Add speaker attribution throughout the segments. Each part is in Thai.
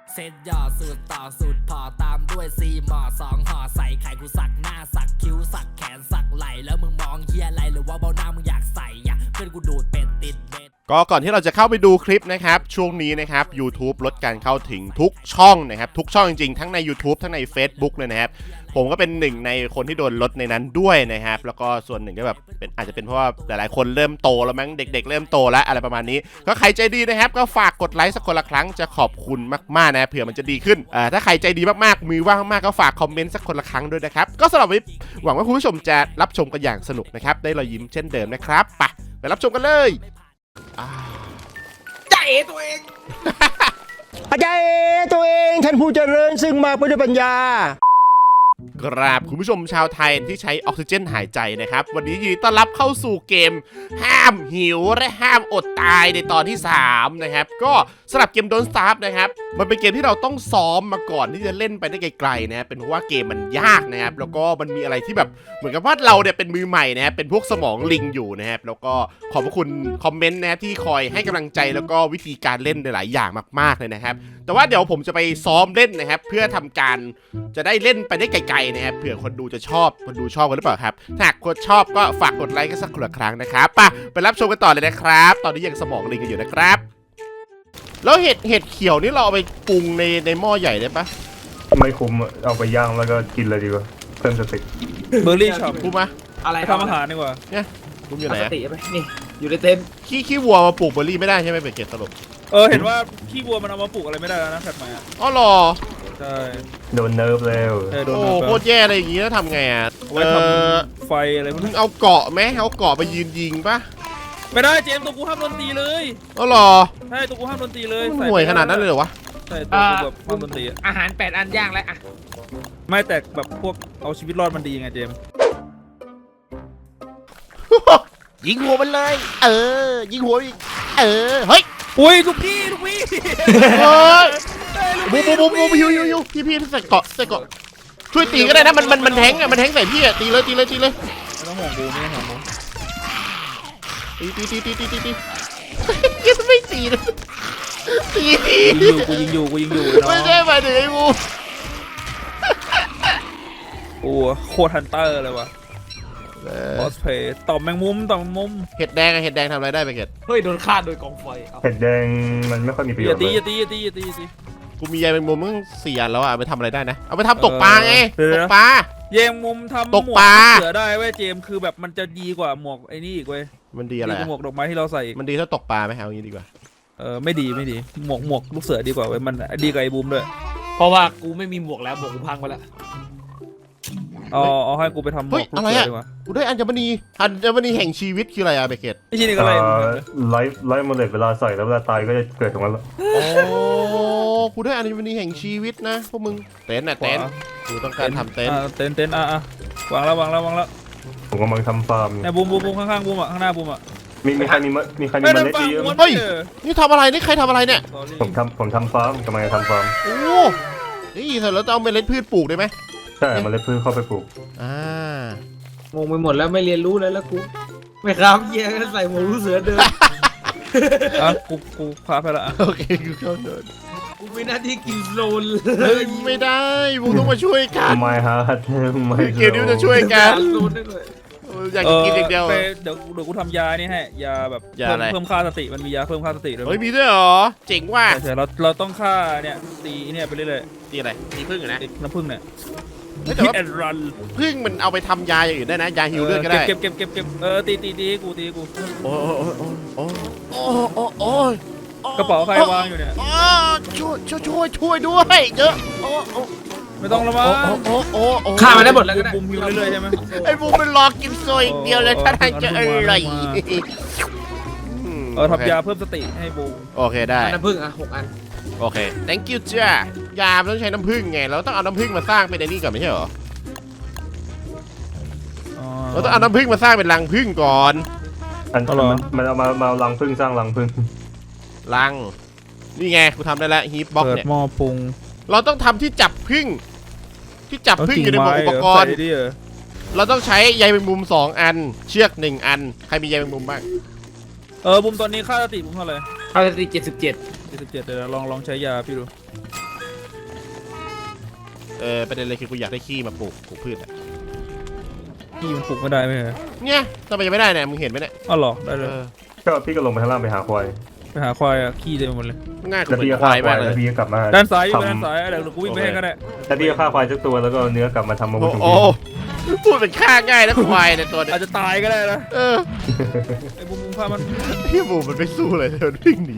Speaker 1: เซตย่อสูตรต่อสูตรพอตามด้วยซีหมอสองห่อใส่ไข่กูสักหน้าสักคิ้วสักแขนสักไหลแล้วมึงมองเฮียอะไรหรือว่าเบ้าหน้ามึงอยากใส่ยะเพื่อนกูดูดเป็ดติดเบ็ด
Speaker 2: ก็ก่อนที่เราจะเข้าไปดูคลิปนะครับช่วงนี้นะครับ YouTube ลดการเข้าถึงทุกช่องนะครับทุกช่องจริงๆทั้งใน YouTube ทั้งใน Facebook เลยนะครับผมก็เป็นหนึ่งในคนที่โดนลดในนั้นด้วยนะครับแล้วก็ส่วนหนึ่งก็แบบอาจจะเป็นเพราะว่าหลายๆคนเริ่มโตแล้วมั้งเด็กๆเริ่มโตแล้วอะไรประมาณนี้ก็ใครใจดีนะครับก็ฝากกดไลค์สักคนละครั้งจะขอบคุณมากๆนะเผื่อมันจะดีขึ้นถ้าใครใจดีมากๆมือว่างมากๆก็ฝากคอมเมนต์สักคนละครั้งด้วยนะครับก็สำหรับวันนี้หวังว่าคุณผู้ชมจะรับชมกันอย่างสนุกนะครับได้รอยยิ้มเช่นเดิมนะครับไปรับชมกันเลย
Speaker 3: ใจตัวเอง
Speaker 4: อาจารย์ตัวเองท่านผู้เจริญซึ่งมาเพื่อด้วยปัญญาก
Speaker 2: ราบคุณผู้ชมชาวไทยที่ใช้ออกซิเจนหายใจนะครับวันนี้ยินดีต้อนรับเข้าสู่เกมห้ามหิวและห้ามอดตายในตอนที่3นะครับก็สำหรับเกม Don't Starve นะครับมันเป็นเกมที่เราต้องซ้อมมาก่อนที่จะเล่นไปได้ไกลๆนะเป็นเพราะว่าเกมมันยากนะครับแล้วก็มันมีอะไรที่แบบเหมือนกับว่าเราเนี่ยเป็นมือใหม่นะครับเป็นพวกสมองลิงอยู่นะครับแล้วก็ขอบพระคุณคอมเมนต์นะที่คอยให้กำลังใจแล้วก็วิธีการเล่นหลายอย่างมากๆเลยนะครับแต่ว่าเดี๋ยวผมจะไปซ้อมเล่นนะครับเพื่อทำการจะได้เล่นไปได้ไกลๆนะครับเผื่อคนดูจะชอบคนดูชอบกันหรือเปล่าครับถ้าหากคนชอบก็ฝากกดไลค์กันสักครั้งนะครับไปรับชมกันต่อเลยนะครับตอนนี้ยังสมองลิงกันอยู่นะครับแล้วเห็ดเขียวนี่เราเอาไปปรุงในหม้อใหญ่ได้ปะ
Speaker 5: ไม่คุ้มเอาไปย่างแล้วก็กินเลยดีกว่าเพิ่มสติ
Speaker 3: เบอร์รี่ช็อป
Speaker 2: ปรุงมา
Speaker 3: อะไร
Speaker 6: ไปทำอาหารดีกว่า
Speaker 2: เนี่ยปรุงอยู่ไหน
Speaker 3: ส
Speaker 2: อะ
Speaker 3: ติไปนี่อยู่ในเต็นท์
Speaker 2: ขี้วัวมาปลูกเบอร์รี่ไม่ได้ใช่ไหมเป็นเกตสรุป
Speaker 6: เห็นว่าขี้วัวมันเอามาปลูกอะไรไม่ได้แล้วนะแพทใหม่อ่ะ
Speaker 2: อ๋อหรอ
Speaker 6: ใช่
Speaker 5: โดนเนิร์ฟแล้ว
Speaker 6: โดน
Speaker 2: โอ้โคตรแย่เลยอย่างงี้แล้วทำไงอ่ะ
Speaker 6: เอาไว้ทำไฟอะไรพวก
Speaker 2: มึ
Speaker 6: นี้
Speaker 2: งเอาเกาะไหมเอาเกาะไปยืนยิงปะ
Speaker 6: ไม่ได้เจมส์ตัวกูห้ามโดนตีเลย
Speaker 2: อ๋อหรอ
Speaker 6: ใช่ตัวกูห้ามโดนตีเลย
Speaker 2: มันห่วยขนาดนั้นเลยเหรอวะ
Speaker 6: ใช่ตัวกูแบบห้ามโดนตีอะ
Speaker 3: อาหาร8 อันย่างแล้วอ่ะ
Speaker 6: ไม่แต่แบบพวกเอาชีวิตรอดมันดีไงเจมส์
Speaker 2: ยิงหัวมันเลยยิงหัวอีกเฮ้ย
Speaker 6: อุ้ยลูกพี่
Speaker 2: เฮ้ยบูยูพี่ใส่เกาะช่วยตีก็ได้นะมันแทงอ่ะมันแทงใส่พี่อ่ะตีเลย
Speaker 6: ไม่ต้องห่วงกูไม่ต้องห่วงกู
Speaker 2: ตียังไม่ตีเลยตี
Speaker 6: กูยิงอยู่
Speaker 2: ไม่ได้มาถึงไอ้บู
Speaker 6: โอ้โคตรฮันเตอร์เลยว่ะบอสเพย์ต่อมแมงมุม
Speaker 2: เห็ดแดงทำอะไรได้ไปเกต
Speaker 3: เฮ้ยโดนฆ่าโดยกองไฟเอา
Speaker 5: เห็ดแดงมันไม่ค่อยมีประโย
Speaker 6: อย่า
Speaker 5: ชน์
Speaker 6: ตี
Speaker 5: เลย
Speaker 6: อย่าตี
Speaker 2: กูมีใยแมงมุมมึง4 อันแล้วอ่ะไปทำอะไรได้นะเอาไปทำตกปลาไงตกปลา
Speaker 6: เยงมุมทำหม
Speaker 2: ต
Speaker 6: ว
Speaker 2: ก
Speaker 6: ก
Speaker 2: ปลา
Speaker 6: เสือได้เว้ยเจมคือแบบมันจะดีกว่าหมวกไอ้นี่อีกเว้ย
Speaker 2: มันดีอะไร
Speaker 6: ดีกว่าหมวกดอกไม้ที่เราใส่อีก
Speaker 2: มันดีถ้าตกปลาไหมเอางี้ดีกว่า
Speaker 6: ไม่ดีหมวกลูกเสือดีกว่าเว้ยมันดีกว่าไอ้บูมด้วย
Speaker 3: เพราะว่ากูไม่มีหมวกแล้วหมวกกูพังไปแล้ว
Speaker 6: เอาให้กูไปทำหมวกลูกเสือดีกว่า
Speaker 2: กูได้อัญมณีแห่งชีวิตคืออะไรอะเบเกต
Speaker 6: ไอ้ที่นี่ก็เลย
Speaker 5: ไลฟ์โมเลตเวลาใส่แล้วเวลาตายก็จะเกิดตรงนั้นแล้ว
Speaker 2: โอ้กูได้อัญมณีแห่งชีวิตนะพวกมึงเต็นท์กูต้องการทำเต็นท์
Speaker 6: เต็นท์วางแล้ว
Speaker 5: ผมกำลังทำฟาร์มอยู่
Speaker 6: เนี่ยบูมข้างๆบูมอ่ะข้างหน้าบูมอ่ะ
Speaker 5: มีใครมีเมล็ดเยอะไหม
Speaker 2: เฮ้ยนี่ทำอะไรนี่ใครทำอะไรเนี่ย
Speaker 5: ผมทำฟาร์มกำลังจะทำฟาร์ม
Speaker 2: โอ้นี่เสร็จแล้วจะเอาเมล็ดพืชปลูกได้ไหม
Speaker 5: ใช่เมล็ดพืชเข้าไปปลูก
Speaker 3: งงไปหมดแล้วไม่เรียนรู้เลยแล้วกูไม่ครับเยี่ยก็ใส่หมวกลูกเสือเดิน
Speaker 6: กูพาไปละ
Speaker 2: โอเคกูเข้าเดิน
Speaker 3: กูมีหน้าที่กินโซนเล
Speaker 2: เฮ้
Speaker 3: ย
Speaker 2: ยไม่ได้มึงต้องมาช่วยกัน
Speaker 5: ไม่ฮะไม่
Speaker 2: เกมนี้มันจะช่วยกัน
Speaker 3: โซนได้เลย
Speaker 2: อยากจะกินอย่างเดียว
Speaker 6: เดี๋ยวกูทำยานี่ให้ยาแบบ
Speaker 2: ยาอะไร
Speaker 6: เพิ่มค่าสติมันมียาเพิ่มค่าสติด้วย
Speaker 2: เฮ้ยมีด้วยเหรอเจ๋งว่ะ
Speaker 6: ใช่เราต้องฆ่าเนี่ยตีเนี่ยไปเรื่อย
Speaker 2: ตีอะไรตีพึ่งนะ
Speaker 6: ๆน้ำผึ้งเนี่ย
Speaker 2: แต่
Speaker 6: ฮิต
Speaker 2: ว่า
Speaker 6: แอนด์รัน
Speaker 2: พึ่งมันเอาไปทำยาอย่างอื่นได้นะยาฮิวเลือดก็ได้
Speaker 6: เก็บตีกู
Speaker 2: โอ้ย
Speaker 6: กระเป๋าใครวางอยู่เนี่ย
Speaker 2: ช่วยด้วยเยอะ
Speaker 6: ไม่ต้องละมั้ง
Speaker 3: ฆ่ามันได้หมดแล้วก็ได้
Speaker 6: บุมอยู่เรื่อยๆใช่ไหม
Speaker 2: ไอ้บูมมันรอกินโซยอย่างเดียวเลยถ้าทางจะอร่อย
Speaker 6: ทำยาเพิ่มสติให้บูม
Speaker 2: โอเคได้
Speaker 3: น้ำผึ้งอ่ะ6 อัน
Speaker 2: โอเค thank you จ้ายาต้องใช้น้ำผึ้งไงเราต้องเอาน้ำผึ้งมาสร้างเป็นไอ้นี่ก่อนไม่ใช่เหรอเราต้องเอาน้ำผึ้งมาสร้างเป็นรังผึ้งก่อน
Speaker 5: มันเอามารังพึ่งสร้างรังพึ่ง
Speaker 2: รังนี่ไงกูทำได้แล้วฮีทบ็อก
Speaker 6: เปิด
Speaker 2: เนี่ย
Speaker 6: หม้อปรุง
Speaker 2: เราต้องทำที่จับผึ้งอยู่ในหมวกอุปกรณ์
Speaker 6: ใส่ดิ
Speaker 2: เราต้องใช้ใยแมงมุม2 อันเชือก1 อันใครมีใยแมงมุมบ้าง
Speaker 6: บุมตอนนี้ค่าสติบุมเท่าไหร่
Speaker 3: เอาสติ77
Speaker 6: 77เดี๋ยวลองใช้ยาพี่ดู
Speaker 2: ประเด็นเลยคือกูอยากได้ขี้มาปลูกพืชอะ
Speaker 6: พี่มันปลุกไม่ได้ไหมเหรอ
Speaker 2: เนี่ยทำไมยังไม่ได้เนี่ยมึงเห็นไหมเนี่ย
Speaker 6: อ้าวเหรอได้เลย
Speaker 5: ก็พี่ก็ลงไปข้างล่างไปหาควาย
Speaker 6: ไปหาควายอะขี้เต็มไปหมดเลย
Speaker 2: ง่ายก
Speaker 5: แล้ว
Speaker 2: ว่า
Speaker 5: พี่ก็
Speaker 2: ค
Speaker 5: ฆ่าว
Speaker 2: าย
Speaker 5: ความ
Speaker 2: าย กเล
Speaker 5: แล้ว
Speaker 2: ย
Speaker 5: พี่ก็กลับมา
Speaker 6: ด้านซ้ายอยู่
Speaker 5: ทำ
Speaker 6: ด้านซ้ายเดี๋ยวกูวิ่งไปให้ก็ได้
Speaker 5: แล้วพี่ก็ฆ่าควายสักตัวแล้วก็เอาเนื้อกลับมาทำมาวุ้นของ
Speaker 2: โอ้
Speaker 5: พี่
Speaker 2: พูดเป็นฆ่าง่ายนะควายในตัวเนี่ย
Speaker 6: อาจจะตายก็ได้นะ
Speaker 2: เ
Speaker 6: ไอ้บุ้มพามัน
Speaker 2: ที่บูมันไม่สู้เลยมันวิ่งหนี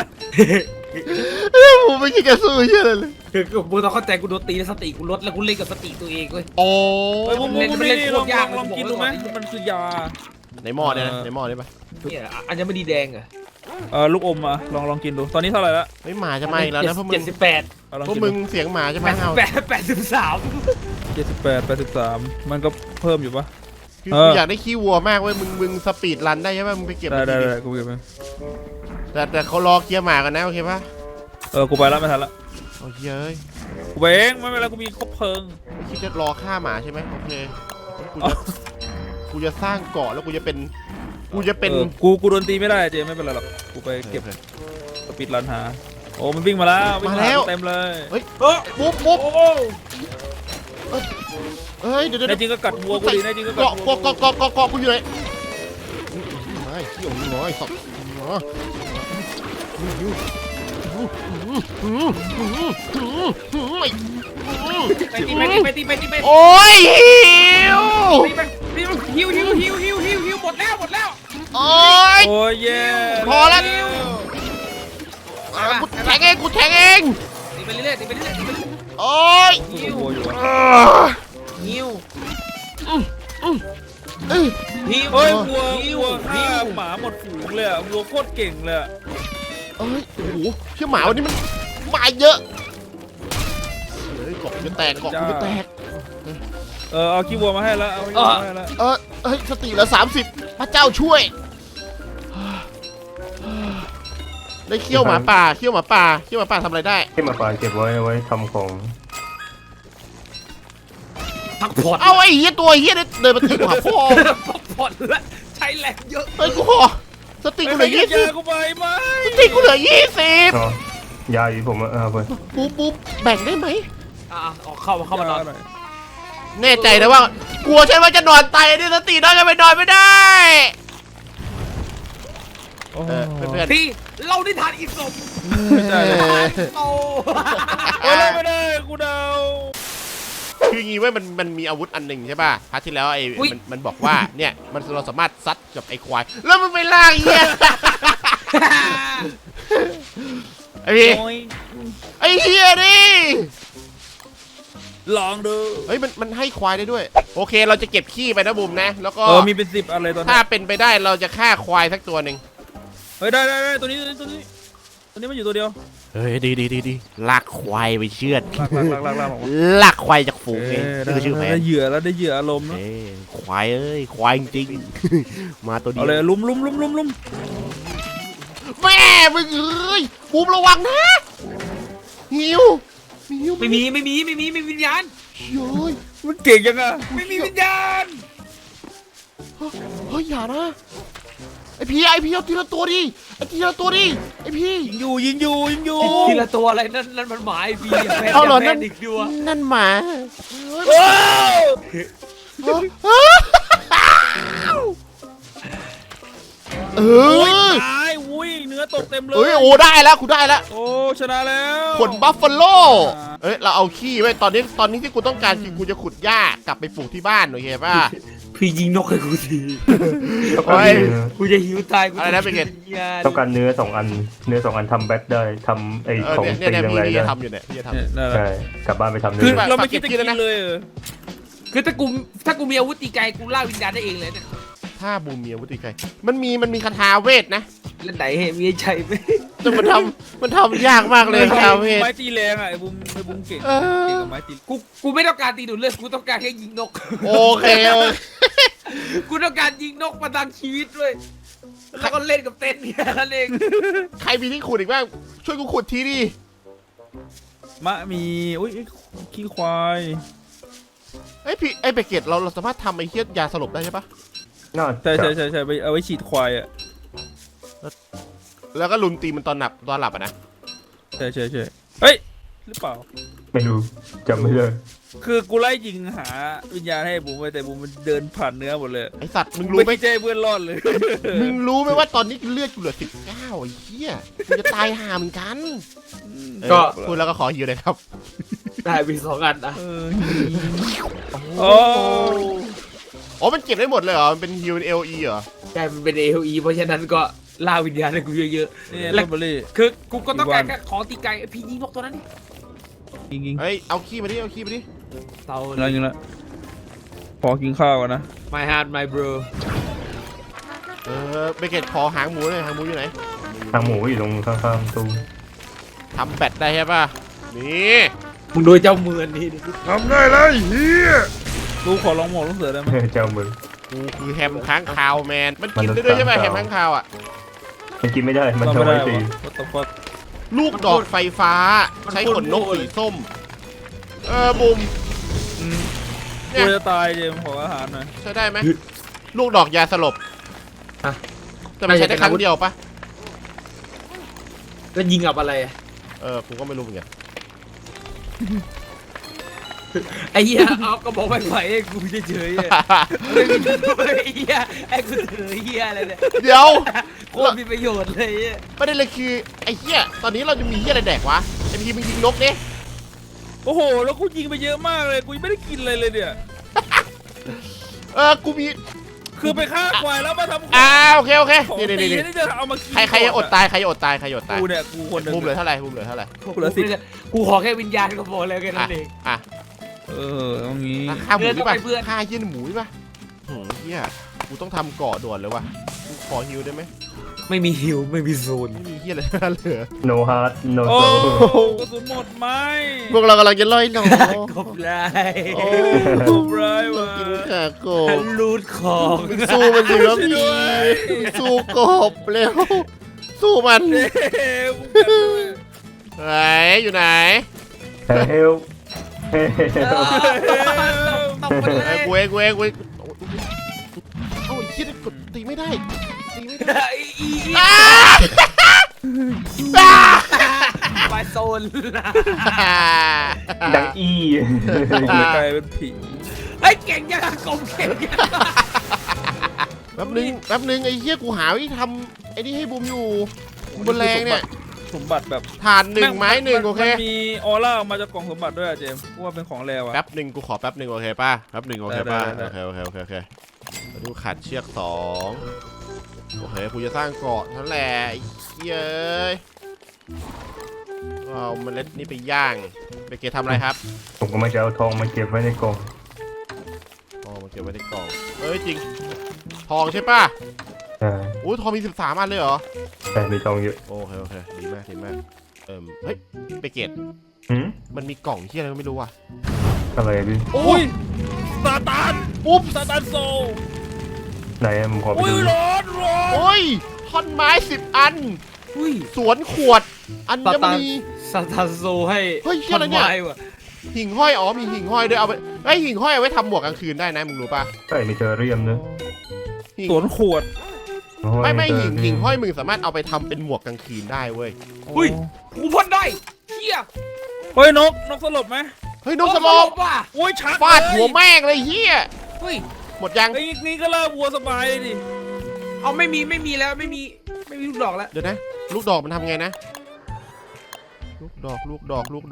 Speaker 2: บูไม่คิดจะสู้เหี้ยอะไรเลย
Speaker 3: คือกูต้องเข้าใจกูโดนตีแล้วสติกูลดแล้วกูเล่นกับสติตัวเองเว้ย
Speaker 2: โอ้
Speaker 6: ไอ้บุ้ม
Speaker 3: เล่น
Speaker 6: นี่ลอง
Speaker 3: ยาก
Speaker 6: ลองกินดูไหมมันคือยา
Speaker 2: ในหม้อเนี่ยนะในหม้อได้ปะ
Speaker 3: เนี่ยอัญมณีแดงอะ
Speaker 6: ลูกอมอ่ะลองกินดูตอนนี้เท่าไหร่ละ
Speaker 2: เฮ้ยหมาจะมาอีกแล้วนะพวกมึง
Speaker 3: 78
Speaker 6: ลอง
Speaker 2: พวก
Speaker 6: กิน
Speaker 2: มึ
Speaker 6: ดู
Speaker 2: งเสียงหมาจะมาเห่า
Speaker 3: 83
Speaker 6: 78 มันก็เพิ่มอยู่ปะ
Speaker 2: คือกูอยากได้ขี้วัวมากเว้ยมึงสปีดรันได้ใช่ปะมึงไปเก็บ
Speaker 6: ได้
Speaker 2: มาที
Speaker 6: กูเก็บไป
Speaker 2: แต่เขารอเคลียร์หมากันนะโอเคปะ
Speaker 6: กูไปแล้วไม่ทันละ
Speaker 2: โอ้ยเอ้ย
Speaker 6: กูไปเองไม่เป็นไรกูมีครบเพลิง
Speaker 2: ไม่คิดจะรอฆ่าหมาใช่ไหมโอเคกูจะสร้างเกาะแล้วกูจะเป็น
Speaker 6: กูโดนตีไม่ได้เจไม่เป็นไรหรอกกูไปเก็บสปีดรันหาโอ้มันวิ่งมาแล้ววิ่งมาเต็มเลย
Speaker 2: เฮ้ยปุ๊บเฮ้ยเดี๋ยว
Speaker 6: ในจริงก็กัดวัวกูดีในจริงก็กัด
Speaker 2: เกาะ
Speaker 6: วัว
Speaker 2: เกาะกูอยู่ไหนไม่เขี้ยวน้อยสับโอ้ยหิว
Speaker 3: หิวหมดแล้ว
Speaker 2: โอ้ย
Speaker 6: โอ้ยเย่
Speaker 2: พอแล้ว กูแทงเอง
Speaker 3: ตีไปเรื่อย
Speaker 2: โอ้ย
Speaker 6: วัวอยู่
Speaker 3: หิว
Speaker 6: เฮ้ยวัวฆ่าหมาหมดฝูงเลยอะวัวโคตรเก่งเลยอะ
Speaker 2: เอ้ยโอ้โหเชี่ยหมาวันนี้มันมาเยอะเฮ้ยเกาะกูจะแตก
Speaker 6: เอาขี้วัวมาให้แล้วเอาขี้วัวมาให้แล้ว
Speaker 2: เฮ้ยสติเหลือ30พระเจ้าช่วยได้เขี้ยวหมาป่าทำอะไรได้
Speaker 5: ที่มาป่าเก็บไว้ทำของ
Speaker 3: พักผ่อน
Speaker 2: เอาไอ้เหี้ยตัวเหี้ยเดินมาตีกูหาพ่อ
Speaker 3: พักผ่อนแล้วใช้แรงเยอะ
Speaker 2: เฮ้ยกูขอสติกูเหลือ
Speaker 6: กูไปไหม
Speaker 2: 20สติกูเหลือ
Speaker 5: อ๋อยาอยู่ผมเอาไป
Speaker 2: 20ปุ๊บแบ่งได้ไหม
Speaker 3: ออกเข้ามานอน
Speaker 6: หน่อย
Speaker 2: แน่ใจนะว่ากลัวใช่ว่าจะนอนตายนี่สติน้อยจะไปนอนไม่ได้
Speaker 6: โอ้
Speaker 2: เพื่อน
Speaker 3: ที่เราได้ทานอีสม
Speaker 6: ไม่ใช่
Speaker 3: โต
Speaker 6: ไม่ได้กูเดา
Speaker 2: คืองี้เว้ยมันมีอาวุธอันหนึ่งใช่ป่ะพาร์ทที่แล้วมันบอกว่าเนี่ยเราสามารถซัดกับไอ้ควายแล้วมันไปล่างเหี้ยไอ้พี่ไอ้เหี้ยดิ
Speaker 6: ลองดู
Speaker 2: เฮ้ยมันให้ควายได้ด้วยโอเคเราจะเก็บขี้ไปนะบุ๋มนะแล้วก็
Speaker 6: มีเป็น10อะไรตอนนี้
Speaker 2: ถ้าเป็นไปได้เราจะฆ่าควายสักตัวหนึ่ง
Speaker 6: เฮ้ยได้ตัวนี้มันอยู่ตัวเดียว
Speaker 2: เฮ้ยดีลากควายไปเชือด
Speaker 6: ลาก
Speaker 2: ลากควายจากฝูงเองนี่คือชื่อแผน
Speaker 6: ได้เหยื่อแล้วได้เหยื่ออารมณ์นะ
Speaker 2: ควายควายจริงๆมาตัวเดีย
Speaker 6: เอา
Speaker 2: ว
Speaker 6: เลยลุม
Speaker 2: แม่มึงเอ้ยบุ๋มระวังนะหิว
Speaker 3: ไม่มีวิญญาณ
Speaker 2: เฮ้ย
Speaker 6: มันเก่งยังอะ
Speaker 3: ไม่มีวิญญาณ
Speaker 2: เฮ้ยอย่านะไอพี่เอาทีละตัวดิไอพี่
Speaker 6: ยิงอยู่
Speaker 3: ทีละตัวอะไรนั่นมันหมายพี่
Speaker 2: เอาเหรอนั่น
Speaker 3: อีกดัว
Speaker 2: นั่นหมา
Speaker 6: โอ้
Speaker 2: เออ
Speaker 6: ตายอุ้ยเนื้อตกเต็มเลย
Speaker 2: เอ้ยโอ้ได้แล้วกูได้แล้ว
Speaker 6: โอ้ชนะแล้ว
Speaker 2: ขนบัฟฟาโลเอ้ยเราเอาขี้ไว้ตอนนี้ที่กูต้องการคือกูจะขุดหญ้ากลับไปปลูกที่บ้านโอเคป่ะ
Speaker 3: พี่ยิงนกให้กูที
Speaker 5: ต้องการเนื้อ
Speaker 3: กูจะหิวตายกู
Speaker 2: อะไรนะเป็นไง
Speaker 5: ต้องการเนื้อ2 อันทำแบ็คได้ทำไอ้ของ
Speaker 2: เนี่ย
Speaker 5: ตี
Speaker 2: พี่
Speaker 5: แรงๆ
Speaker 2: พี่
Speaker 5: ได้
Speaker 2: จะทำอยู่เนี่ยพี่จะทำ
Speaker 5: ใช่กลับบ้านไปทำ
Speaker 6: คือ
Speaker 5: เนื้อ
Speaker 6: เราไม่คิดจะกินเลย
Speaker 3: คือถ้ากูมีอาวุธตีไกลกูล่าวิญญาณได้เองเลยเนี่ย
Speaker 2: ถ้าบูมเมียวุฒิไกรมันมีคาถาเวทนะ
Speaker 3: เล่นไหนมีใจไหม
Speaker 2: แต่มันทำยากมากเลยคาถาเวท
Speaker 6: ไม้ตีแรงอ่ะไอ้บุ้มเก่งกับไม้ตี
Speaker 3: กูไม่ต้องการตีดูดเลือดกูต้องการแค่ยิงนก
Speaker 2: โอเค
Speaker 3: กูต้องการยิงนกมาตั้งชีวิตด้วยแล้วก็เล่นกับเต้นเนี่ยนั่นเอง
Speaker 2: ใครมีที่ขุดอีกบ้างช่วยกูขุดทีดิ
Speaker 6: มะมีอุ้ยขี้ควาย
Speaker 2: ไอ้พี่ไอ้เบเกตเราสามารถทำไอ้เหี้ยยาสลบได้ใช่ปะ
Speaker 5: น่า
Speaker 6: ใช่ไปเอาไว้ฉีดควายอ่ะ
Speaker 2: แล้วก็ลุมตีมันตอนหลับอะนะ
Speaker 6: ใช่เฮ้ยหรือเปล่า
Speaker 5: ไม่รู้จำไม่ได้
Speaker 6: คือกูไล่ยิงหาวิญญาณให้บูมไปแต่บูมมันเดินผ่านเนื้อหมดเลย
Speaker 2: ไอสัตว์มึงรู้ไหม
Speaker 6: ไม่ใช่เพื่อนรอดเลย
Speaker 2: มึงรู้ไหมว่าตอนนี้เลือดกูเหลือ19ไอ้เหี้ยกูจะตายห่าเหมือนกันก็พูดแล้วก็ขอฮิวเลยครับ
Speaker 3: ได้มี2 อันนะ
Speaker 6: โอ้
Speaker 2: อ๋อมันเก็บได้หมดเลยเหรอมันเป็นฮิวเอลีเหรอ
Speaker 3: ใช่มันเป็น AOE เพราะฉะนั้นก็ล่าวิญญาณให้กูเยอะ
Speaker 6: นี่แลเบอรี่
Speaker 3: ๆคือกูก็ต้องการแค่ของตีไก่พี่ยิงนกตัวนั้นนี่
Speaker 6: ยิง
Speaker 2: เฮ้ยเอาขี้มาดิเอาขี้มาดิ
Speaker 3: เตา
Speaker 6: อะไรยิงละพอกินข้าวกันนะ
Speaker 3: My heart my bro
Speaker 2: เบเกตขอหางหมูหน่อยหางหมูอยู่ไหน
Speaker 5: ทางหมูอยู่ตรงข้างๆตู้
Speaker 2: ทำแบตได้ใช่ป่ะนี่
Speaker 3: มึงดูเจ้ามือนี่ดิ
Speaker 2: ทำได้เลยเฮีย
Speaker 6: กูขอลองหมดลูกเสือได้ไหม
Speaker 5: เจ้ามือ
Speaker 2: กูคือแฮมค้างคาวแมนมันกินได้ด้วยใช่ไหมแฮมค้างคาวอ่ะ
Speaker 5: มันกินไม่ได้มัน
Speaker 6: ต้อง
Speaker 5: จะ
Speaker 6: ไม่
Speaker 5: ไว้
Speaker 6: ได้
Speaker 5: ตี
Speaker 6: วะ What the fuck
Speaker 2: ลูกดอกไฟฟ้าใช้ขนนกสีส้มบุม
Speaker 6: กูจะตายเจมส์ขออาหารหน่อย
Speaker 2: ใช้ได้ไหมลูกดอกยาสลบแต่มันใช้ได้ครั้งเดียวปะ
Speaker 3: ก็ยิงกับอะไรอะ
Speaker 2: กูก็ไม่รู้เหมือนกัน
Speaker 3: ไอ้เหี้ยเอากระบอกไม้ไผ่ให้กูเฉยๆอะไม่มีไอ้เหี้ยไอ้กูเฉยเหี้ยอะไรเนี่ย
Speaker 2: เดี๋ยว
Speaker 3: โคตรมีประโยชน์เลยอะ
Speaker 2: ประเด็นเลยคือไอ้เหี้ยตอนนี้เราจะมีเหี้ยอะไรแดกวะไอ้พีมึงยิงนกดิ
Speaker 6: โอ้โหแล้วกูยิงไปเยอะมากเลยกูยังไม่ได้กินอะไรเลยเนี่ย
Speaker 2: กูมี
Speaker 6: คือไปฆ่าควายแล้วมาทำ
Speaker 2: โอเค
Speaker 6: ของ
Speaker 2: นี่
Speaker 6: ตี
Speaker 2: นี่
Speaker 6: นี่จะเอามากิน
Speaker 2: ใครจะอดตายใครจะอดตายใครจะอดตาย
Speaker 6: กูเนี่ยกูคนหนึ่ง
Speaker 2: มุมเหลือเท่าไหร่มุมเหลือเท่าไหร่
Speaker 6: กูเหลือ10
Speaker 3: กูขอแค่วิญญาณก็พอแล้วแค่นั้นเอง
Speaker 2: อ่ะ
Speaker 6: ตรงนี้
Speaker 2: ฆ่าหมูดิป่ะ
Speaker 3: เพื่อน
Speaker 2: ฆ่าเหี้ยหมูดิป่ะโหเหี้ยกูต้องทำเกาะด่วนเลยว่ะกูขอฮิวได้ไหม
Speaker 3: ไม่มีฮิวไม่มีโซน
Speaker 2: ไม่มีเหี้ยอะไรเหลือ
Speaker 5: no heart no
Speaker 6: โอ้
Speaker 5: soul
Speaker 6: กระสุนหมดไหม
Speaker 2: พวกเรากำลังจะล่อยหนอก
Speaker 3: บไล
Speaker 2: โอ้
Speaker 6: ร้ายว่ะ
Speaker 2: กินขาโกบ
Speaker 3: ลูดของ
Speaker 2: สู้มันสิครับ
Speaker 6: ช่วย
Speaker 2: พี่
Speaker 6: ด้วย
Speaker 2: สู้กบเร็วสู้มัน
Speaker 6: เฮ้ยกูกันด้วย
Speaker 2: ไหนอยู่ไหน
Speaker 5: help
Speaker 3: ตบไปเล
Speaker 2: ไอ้
Speaker 3: ย
Speaker 2: กูเองโอ้ยคิดกดตีไม่ได้ตีไม่ได้
Speaker 3: ไปโซน
Speaker 5: ดังอี
Speaker 6: กลายเป็นผี
Speaker 3: ไอ้เก่งยังกลมเก่งยัง
Speaker 2: แป๊บนึงไอ้เหี้ยกูหาวิธีทำไอ้นี่ให้บูมอยู่บนแรงเนี่ย
Speaker 6: สมบัติแบบ
Speaker 2: ฐาน1ไม้1โอเค
Speaker 6: มันมีออร่าออกมาจากกล่องสมบัติด้วยอะเจมส์กูว่าเป็นของแรวอะ
Speaker 2: แป๊บนึงกูขอแป๊บนึงโอเคป่ะแป๊บนึงโอเคป่ะ
Speaker 6: ได้
Speaker 2: โอเคแล้วดูขาดเชือก2โอเคกูจะสร้างเกาะนั่นแหละไอ้เหี้ยเอ้ยเอาเมล็ดนี่ไปย่างไปเกทำอะไรครับ
Speaker 5: ผมก็มาจะเอาทองมาเก็บไว้ในกล่อง
Speaker 2: อ๋อมันเก็บไว้ในกล่องเอ้ยจริงทองใช่ป่ะ
Speaker 5: ใช่
Speaker 2: โอ้ยทองมี13อันเลยเหรอ
Speaker 5: แต่มีทองเยอะ
Speaker 2: โอเคดีมากเฮ้ยไปเกต
Speaker 5: หืม
Speaker 2: มันมีกล่องที่อะไรก็ไม่รู้ว่ะ
Speaker 5: อะไรพี่
Speaker 2: โอ้
Speaker 6: อุ้
Speaker 2: ย
Speaker 6: ยซาตาน
Speaker 2: ปุ๊บ
Speaker 6: ซาตานโซ
Speaker 5: ไหนอะผมขอไป
Speaker 6: อุ้ย
Speaker 5: ดู
Speaker 6: ร้อน
Speaker 2: โอ้ยท่อนไม้10อัน
Speaker 3: อุ้ย
Speaker 2: สวนขวด อัญมณี
Speaker 3: ซาตานโซให้
Speaker 2: เฮ้ยเหี้ยอะไรเนี่ย
Speaker 3: ท่ไม้ว่ะ
Speaker 2: หิ่งห้อยอ๋อมีหิ่งห้อยด้วยเอาไปไอ้ยหิ่งห้อยเอาไว้ทำหมวกกลางคืนได้นะมึงรู้ป่ะ
Speaker 5: ใช่มีเทอเรียมนะ
Speaker 2: หิ่ง
Speaker 6: สวนขวด
Speaker 2: ไม่หิ่งห้อยมึงสามารถเอาไปทำเป็นหมวกกลางคืนได้เว้ย
Speaker 3: อุ้ยกูพ่นได้เฮีย
Speaker 6: เฮ้ยนกสลบไหม
Speaker 2: เฮ้ยนกสลบ
Speaker 3: ว่ะ
Speaker 6: โอ้ยชัก
Speaker 2: ฟาด
Speaker 6: เลย
Speaker 2: หัวแม่งเลยเฮีย
Speaker 3: เฮ้ย
Speaker 2: หมดยัง
Speaker 6: ไอ้นี่ก็ล่าวัวสบายเลยดิ
Speaker 3: เอาไม่มีแล้วไม่มีลูกดอกแล้ว
Speaker 2: เดี๋ยวนะ ลูกดอกมันทำไงนะลูกดอกมัน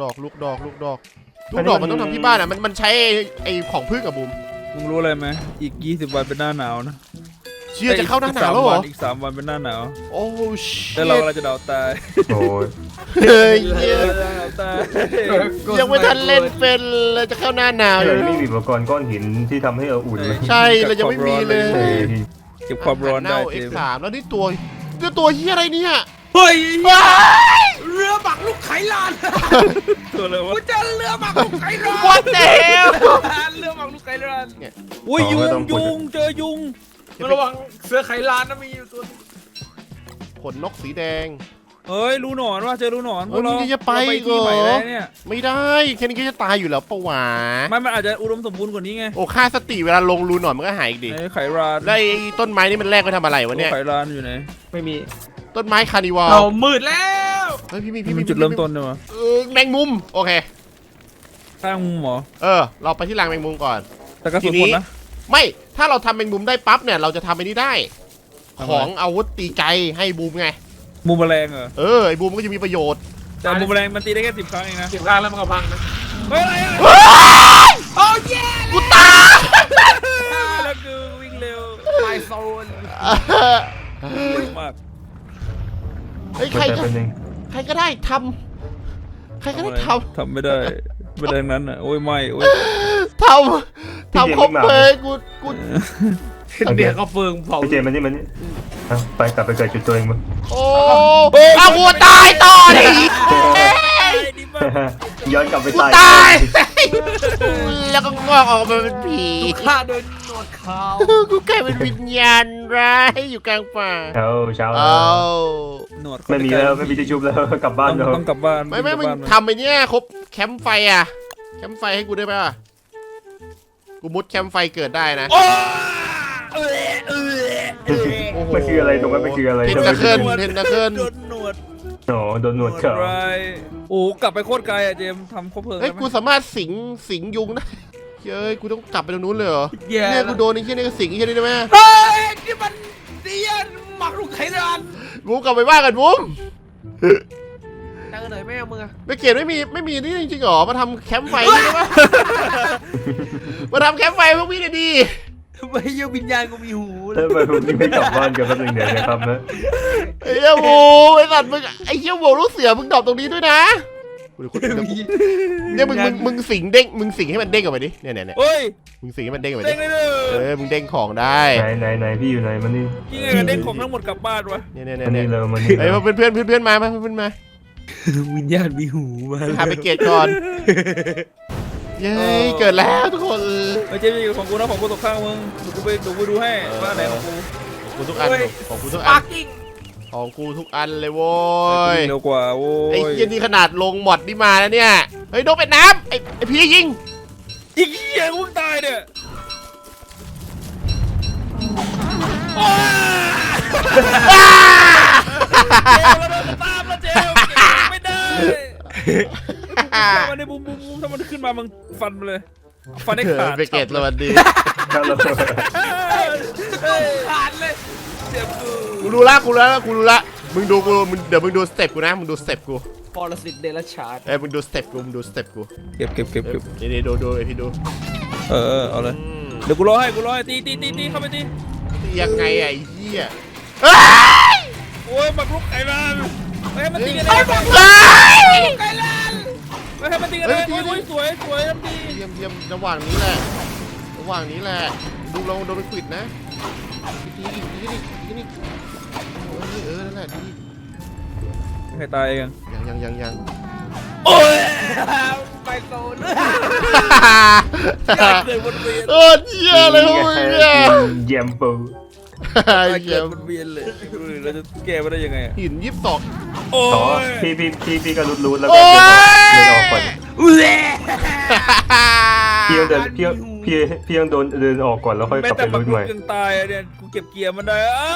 Speaker 2: ต้องทำที่บ้านอ่ะมันใช้ไอ้ของพึ่งกับบุม
Speaker 6: มึงรู้อะไรไหมอีก20 วันเป็นหน้าหนาวนะ
Speaker 2: เชื่อจะเข้าหน้าหนาวแล้วเหรอ
Speaker 6: อีก3 วันเป็นหน้าหนาว
Speaker 2: โอ้ชิ
Speaker 6: แล้วเรากำลังจะดาวตาย
Speaker 5: โอ้ย
Speaker 2: เฮ้ยเหี้ย
Speaker 6: ดาวตาย
Speaker 2: ยังไม่ทันเล่นเป็นเลยจะเข้าหน้าหนาวอยู่
Speaker 5: ไม่มีอุปกรณ์ก้อนหินที่ทำให้เราอุ่นเลย
Speaker 2: ใช่เรายังไม่มีเลย
Speaker 5: เฮ้ย
Speaker 6: เก็บความร้อนได้
Speaker 2: เน่า
Speaker 6: เจมส์
Speaker 2: X3 แล้วนี่ตัวเฮียอะไรเนี่ย
Speaker 3: เฮ้ยเรือบักลูกไขลาน
Speaker 6: ตัวอะไรวะ
Speaker 3: กูเจอเรือบักลูกไขลาน
Speaker 2: What the hell
Speaker 3: เรือบักลูกไขลาน
Speaker 6: อุ้ยยุงเจอยุง
Speaker 3: ระวังเสือไขลานนะมีอยู่ตัว
Speaker 2: ขนนกสีแดง
Speaker 6: เฮ้ยรูหนอนว่ะเจอรูหนอน
Speaker 2: โอ้ยนี่จะไป
Speaker 6: เราที่ใหม่
Speaker 2: เหรอ
Speaker 6: ได้เนี่ย
Speaker 2: ไม่ได้แค่นี้ก็จะตายอยู่แล้วปะวะ
Speaker 6: มันอาจจะอุดมสมบูรณ์กว่านี้ไง
Speaker 2: โอ้ค่าสติเวลาลงรูหนอนมันก็หายอีกดิ
Speaker 6: ไอ้ไขราน
Speaker 2: แล้วไอ้ต้นไม้นี่มันแรกไปทำอะไรวะเนี่ย
Speaker 6: ไขรานอยู่ไหน
Speaker 3: ไม่มี
Speaker 2: ต้นไม้คาร์นิวัล
Speaker 3: เรามืดแล้ว
Speaker 2: เฮ้ยพี่มี
Speaker 6: มันจุดเริ่มต้นเนี่ยวะ
Speaker 2: แมงมุมโอเค
Speaker 6: ข้างมุมเหรอ
Speaker 2: เราไปที่รังแมงมุมก่อน
Speaker 6: แต่กระสุนหมดนะ
Speaker 2: ไม่ถ้าเราทำแมงมุมได้ปั๊บเนี่ยเราจะทำไอ้นี่ได้
Speaker 6: ทำไม
Speaker 2: ของอาวุธตีไกลให้บูมไง
Speaker 6: มุมแมลงเหรอ
Speaker 2: ไอ้บูมก็จะมีประโยชน์
Speaker 6: แต่มุมแมลงมันตีได้แค่10 ครั้งเองนะ
Speaker 3: 10 ครั้งแล้วมันก็พังนะ
Speaker 6: เฮ้ยอะไรอะ
Speaker 3: โอ้เย่
Speaker 2: กูตาย
Speaker 6: แล้วกูวิ่งเร็ว
Speaker 3: ไมโซน
Speaker 6: มาก
Speaker 2: เฮ้ย
Speaker 5: มันจะเป็นยัง
Speaker 2: ใครก็ได้ทำใครก็ได้ท
Speaker 6: ทำไม่ได้ไม่ได้ทั้งนั้นอ่ะโอ้ยไม่โอ้ย
Speaker 2: ำทำครบเลยกู
Speaker 3: เดี๋ยวก็เฟิงเผา
Speaker 5: พี่เจมันนี่เอาไปกลับไปเกิดจุดตัวเองมั้ง
Speaker 2: โอ้เอากูตายต่อดิ
Speaker 6: ดีมาก
Speaker 5: ย้อนกลับไป
Speaker 2: กู
Speaker 5: ตาย
Speaker 2: ตายแล้วก็งอกออกมาเป็นผี
Speaker 3: ฆ่าโดยหนวดขาว
Speaker 2: กูกลายเป็นวิญญาณร้ายอยู่กลางป่า
Speaker 5: เช้า
Speaker 2: เอา
Speaker 6: หนวด
Speaker 5: ไม่มีแล้วไม่มีที่ชุบแล้วกลับบ้านแล้ว
Speaker 6: ต้องกลับบ้าน
Speaker 2: ไม่มึงทำไปเนี่ยครบแคมป์ไฟอ่ะแคมป์ไฟให้กูได้ไหมวะกูมุดแคมป์ไฟเกิดได้นะ
Speaker 6: โอ้
Speaker 5: มันคืออะไรตรงนั้นมันคืออะไร
Speaker 2: เทนตะเคิลเทนตะเคิล
Speaker 6: โดนหนวด
Speaker 5: โอ้โดนหนวดเขียว
Speaker 6: ไรโอ้กลับไปโคตรไกลอ่ะเจมทำครบเพลิง
Speaker 2: เฮ้ย
Speaker 6: ได้ไหม
Speaker 2: กูสามารถสิงยุงได้เฮ้ยกูต้องกลับไปตรงนู้นเลยเหรอ
Speaker 3: แย่
Speaker 2: เนี่ยกูโดนไอ้เหี้ยนี่ก็สิงไอ้เหี้ยนี่ได้ไหม
Speaker 3: เฮ้ยนี่มันเดียนหมักลูกไข่ดัน
Speaker 2: บูมกลับไปบ้านกันบูม
Speaker 3: ตั้งกันหน่อยแม่มึงอะ
Speaker 2: ไม่เกลียดไม่มีนี่จริงๆหรอมาทำแคมป์ไฟนี่ได้ปะมาทำแคมป์ไฟพวกพี่เลยดี
Speaker 3: ไม่เยี่ยวิญญาณกูมีหูเล
Speaker 5: แล้
Speaker 3: ยว
Speaker 5: ทำไมผมยังไม่กลับบ้านกันแป๊บนึงเดี๋ยวนะครับนะ
Speaker 2: ไอ้เหี้ยบูมไอ้สัตว์มึงไอ้เหี้ยโบลูกเสือมึงดรอปตรงนี้ด้วยนะเนี่ยมึงสิงเด้งมึงสิงให้มันเด้งออกไปดิเนี่ย
Speaker 6: เฮ้ย
Speaker 2: มึงสิงให้มันเด้งออกไป
Speaker 6: เด้
Speaker 2: ดิ
Speaker 6: งเลยเด้อ
Speaker 2: มึงเด้งของได้
Speaker 5: ไหนพี่อยู่ไหนมันนี่
Speaker 6: ยังไงกันเด้งของทั้งหมดกลับบ้านวะ
Speaker 2: เนี่ย
Speaker 5: มันนี่เลยมันนี่
Speaker 2: เฮ้ยเพื่อนมาเพื่อนมา
Speaker 3: วิญญาณมีหูมา
Speaker 2: หาไปเกตก่อนเย้เกิดแล้วทุกคน
Speaker 6: ไม่ใช่ของกูนะของกูตกข้างมึงดูไปดูให้ว่าไหนของกู
Speaker 2: ของกูทุกอันของกูทุกอั
Speaker 3: ปาน กิ้ง
Speaker 2: ของกูทุกอันเลยโว้ย
Speaker 6: เร็วกว่าโว้
Speaker 2: ไอ้
Speaker 6: ย
Speaker 2: เหี้ยนี่ขนาดลงหมดนี่มาแล้วเนี่ยเฮ้ยโดนเป็ดน้ำไอ้พี่ยิง
Speaker 6: อีกเหี้ยกูตายเนี่ยตามแล้วเจลไม่ได้มันในบูมถ้ามันขึ้นมามึงฟันมาเลยฟันได้ขาด
Speaker 2: ไปเกตสวัสดี
Speaker 5: ครับเรา
Speaker 3: ขาดเลยเจ็บกู
Speaker 2: กูรู้ละมึงดูกูเดี๋ยวมึงดูสเต็ปกูนะมึงดูสเต็ปกู
Speaker 3: ปรสิตเดรัจฉาน
Speaker 2: มึงดูสเต็ปกู
Speaker 6: เก็บ
Speaker 2: นี่ดูไอพี่ดู
Speaker 6: เอาเลยเดี๋ยวกูรอให้ตีเข้าไปตี
Speaker 2: ยังไงไอ้เหี้ย
Speaker 6: โอ้ยบักลุกไก่บ้านไม่ให้มันตีกันเลย
Speaker 3: ไก่ลัน
Speaker 6: ไม่ให้มันตีกันเลยโอ้ยสวยทำดี
Speaker 2: เยี่ยมระหว่างนี้แหละดูเราโดนไปขวิดนะทีนี่นั่นแหละดี
Speaker 6: ใครตายเอง
Speaker 2: ยัง
Speaker 6: โอ้ย
Speaker 3: ไปโซน
Speaker 6: เกิดวนเวียน
Speaker 2: โอ้เหี้ยเลยพวกมึงเนี่ย
Speaker 5: เยี่ยมปู
Speaker 2: เยี่ยม
Speaker 6: วนเวียนเลยเราจะแก้มาได้ยังไง
Speaker 2: หิน22
Speaker 6: โอ้
Speaker 5: อ๋อย พี่ก็รูดแล้วก็เดินออกก่อนพี่ยังเดินออกก่อนแล้วค่อย
Speaker 6: แม้
Speaker 5: กลับ
Speaker 6: แต่
Speaker 5: ไป
Speaker 6: บั
Speaker 5: รู
Speaker 6: ก
Speaker 5: ด
Speaker 6: ลุ
Speaker 5: ใหม่
Speaker 6: กยังตายเนี่ยกูเก็บเกียร์มันได้อ้าว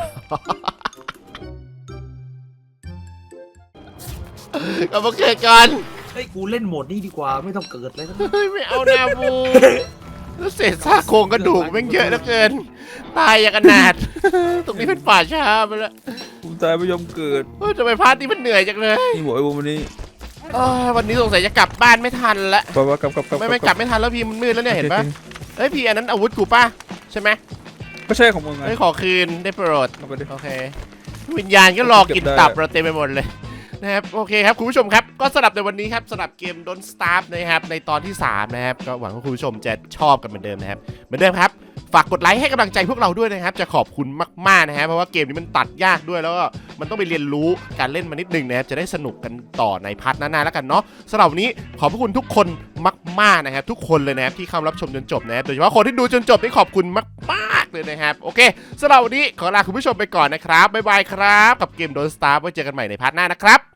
Speaker 2: กลับมาเกิดกัน
Speaker 3: เฮ้ยกูเล่นโหมดนี้ดีกว่าไม่ต้องเกิดเลย
Speaker 2: เฮ้ยไม่เอาแนวบูแล้วเศษซากโครงกระดูกแม่งเยอะเหลือเกินตายอย่างอนาถตรงนี้เป็นป่าช้าไปแล้ว
Speaker 6: กูตายไม่ยอมเกิด
Speaker 2: ทำไมพาร์ทนี้มันเหนื่อยจังเลย
Speaker 6: นี่บอกไอ้บุมวันนี้
Speaker 2: วันนี้สงสัยจะกลับบ้านไม่ทันละ
Speaker 6: บอกว่ากลับ
Speaker 2: ไม่กลับไม่ทันแล้วพี่มันมืดแล้วเนี่ยเห็นปะเฮ้ยพี่อันนั้นอาวุธกูป่ะใช่ไหม
Speaker 6: ก็ใช่ของมึงไง
Speaker 2: เฮ้ยขอคืนได้โปรด
Speaker 6: เอาไปดิ
Speaker 2: โอเควิญญาณก็รอกินตับเราเต็มไปหมดเลยนะครับโอเคครับคุณผู้ชมครับก็สำหรับในวันนี้ครับสำหรับเกม Don't Starve นะครับในตอนที่3นะครับก็หวังว่าคุณผู้ชมจะชอบกันเหมือนเดิมนะครับเหมือนเดิมครับฝากกดไลค์ให้กำลังใจพวกเราด้วยนะครับจะขอบคุณมากๆนะฮะเพราะว่าเกมนี้มันตัดยากด้วยแล้วก็มันต้องไปเรียนรู้การเล่นมานิดนึงนะครับจะได้สนุกกันต่อในพาร์ทหน้าๆแล้วกันเนาะสำหรับวันนี้ขอบพระคุณทุกคนมากๆนะครับทุกคนเลยนะครับที่เข้ารับชมจนจบนะครับโดยเฉพาะคนที่ดูจนจบนี่ขอบคุณมากๆเลยนะครับโอเคสำหรับวันนี้ขอลาคุณผู้ชมไปก่อนนะครับบ๊ายบายครับกับเกม Don't Starve ไว้เจอกันใหม่ในพาร์ทหน้านะครับ